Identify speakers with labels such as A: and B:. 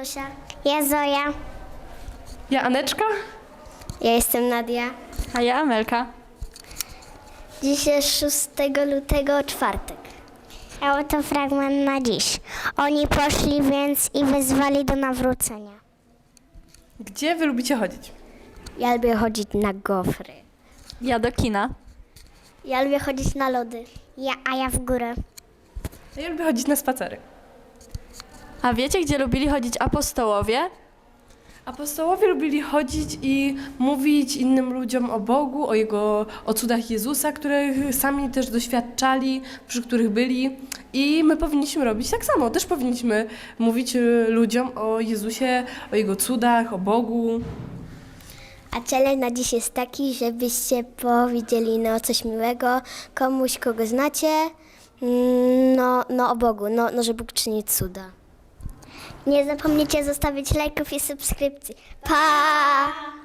A: Zosia. Ja Zoja.
B: Ja Aneczka.
A: Ja jestem Nadia.
C: A ja Amelka.
A: Dziś jest 6 lutego, czwartek. A oto fragment na dziś. Oni poszli więc i wezwali do nawrócenia.
B: Gdzie wy lubicie chodzić?
A: Ja lubię chodzić na gofry.
C: Ja do kina.
A: Ja lubię chodzić na lody. A ja w górę.
B: Ja lubię chodzić na spacery.
C: A wiecie, gdzie lubili chodzić apostołowie?
B: Apostołowie lubili chodzić i mówić innym ludziom o Bogu, o cudach Jezusa, których sami też doświadczali, przy których byli. I my powinniśmy robić tak samo. Też powinniśmy mówić ludziom o Jezusie, o Jego cudach, o Bogu.
A: A challenge na dziś jest taki, żebyście powiedzieli coś miłego komuś, kogo znacie, o Bogu, że Bóg czyni cuda. Nie zapomnijcie zostawić lajków i subskrypcji. Pa!